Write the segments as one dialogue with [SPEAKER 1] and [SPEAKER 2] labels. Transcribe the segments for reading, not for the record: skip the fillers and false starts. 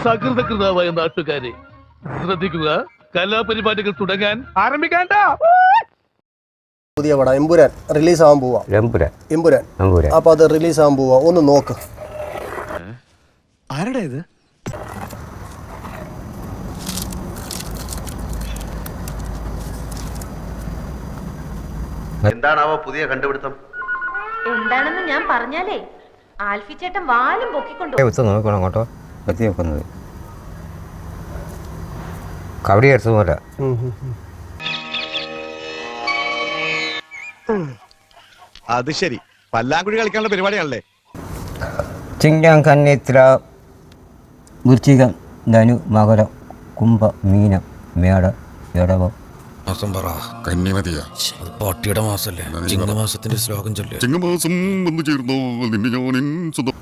[SPEAKER 1] സകൃതകൃതാവായ നാട്ടുകാരെ ശ്രദ്ധിക്കുക, കലാപരിപാടികൾ തുടങ്ങാൻ ആരംഭിക്കാണ്ട.
[SPEAKER 2] പുതിയ പടം എമ്പുരാൻ റിലീസ് ആവാൻ പോവാ. എമ്പുരാൻ അപ്പൊ അത് റിലീസ് ആവാൻ പോവാ. ഒന്ന് നോക്ക്.
[SPEAKER 3] ആരുടെ ഇത്?
[SPEAKER 4] എന്താണാവോ പുതിയ കണ്ടുപിടുത്തം?
[SPEAKER 5] എന്താണെന്ന് ഞാൻ പറഞ്ഞാലേ ആൽഫി ചേട്ടൻ വാലും പൊക്കിക്കൊണ്ടു
[SPEAKER 6] നോക്കണം കേട്ടോ. എത്തി നോക്കുന്നത് കബഡി കളിച്ച പോലെ.
[SPEAKER 3] അത് ശരി, പല്ലാങ്കുഴി കളിക്കാനുള്ള പരിപാടിയാണല്ലേ?
[SPEAKER 6] ചിങ്ങം കന്നിത്ര വൃശ്ചികം ധനു മകരം കുംഭ മീനം മേട ഇടവം.
[SPEAKER 7] മാസം പറ. കന്നിമതിയാ. പാട്ടിയുടെ മാസല്ലേ? ചിങ്ങമാസത്തിന്റെ ശ്ലോകം ചൊല്ലേ. ചിങ്ങമാസം വന്നു ചേർന്നോ നിന്നെ ഞാൻ സ്വന്തം.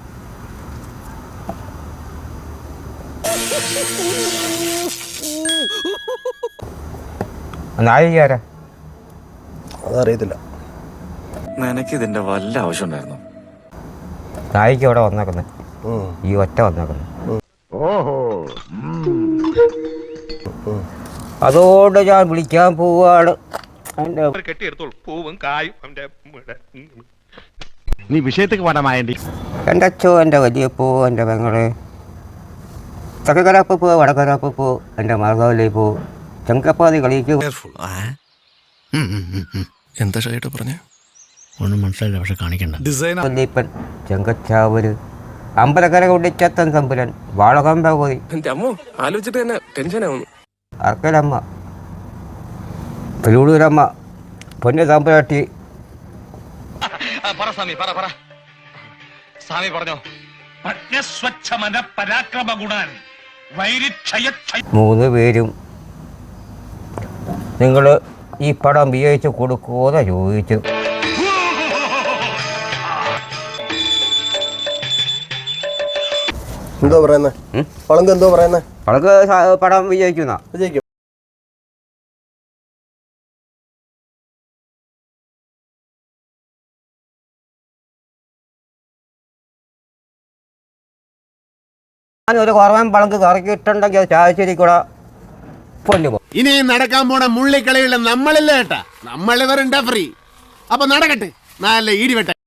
[SPEAKER 6] നായികാരാ?
[SPEAKER 2] അതറിയത്തില്ല.
[SPEAKER 8] നിനക്ക് ഇതിന്റെ വല്ല ആവശ്യം ഉണ്ടായിരുന്നു?
[SPEAKER 6] നായിക ഇവിടെ വന്നേക്കുന്നത് ഈ ഒറ്റ വന്നേക്കുന്നത്. അതോടെ ഞാൻ വിളിക്കാൻ പോവാണ്.
[SPEAKER 3] നീ വിഷയത്തേക്ക് പാടാമായണ്ടി.
[SPEAKER 6] എൻ്റെ അച്ഛോ, എൻ്റെ വലിയപ്പോ, എൻ്റെ പെങ്ങളെ, തെക്കക്കരപ്പ് പോ, വടക്കരപ്പ് പോ, എൻ്റെ മാർഗവലി പോ, ചെങ്കപ്പാതി കളിക്കും.
[SPEAKER 7] എന്താ ഷൈട്ട് പറഞ്ഞ? ഒന്നും മനസ്സിലായില്ല, പക്ഷെ കാണിക്കണ്ട.
[SPEAKER 6] വല്യപ്പൻ, ചെങ്കച്ചാവര്, അമ്പലക്കര കുടിച്ചത്തൻ തമ്പുരൻ, വാളകമ്പ പോയി,
[SPEAKER 8] ആലോചിച്ചിട്ട് തന്നെ ടെൻഷനാവുന്നു.
[SPEAKER 6] അർക്കലമ്മ, പെരൂടൂരമ്മ, പൊന്നു തമ്പുരാട്ടി. മൂന്ന് പേരും നിങ്ങൾ ഈ പടം ഉപയോഗിച്ച് കൊടുക്കുമോന്ന് ചോദിച്ചു.
[SPEAKER 2] എന്തോ പറയുന്നേ? പളങ്ക് എന്തോ പറയുന്നേ?
[SPEAKER 6] പളങ്ക് പടം വിജയിക്കുന്ന
[SPEAKER 2] വിജയിക്കും.
[SPEAKER 6] ഞാനൊരു കുറവൻ പളങ്ക് കറക്കിയിട്ടുണ്ടെങ്കിൽ അത് ചായശ്ശേരി കൂടെ പൊന്നു പോകും.
[SPEAKER 9] ഇനി നടക്കാൻ പോണ മുള്ളിക്കളിയുള്ള നമ്മളില്ല കേട്ടാ. നമ്മളിവരുണ്ടാ ഫ്രീ. അപ്പൊ നടക്കട്ടെ, നല്ല ഈടിവെട്ട.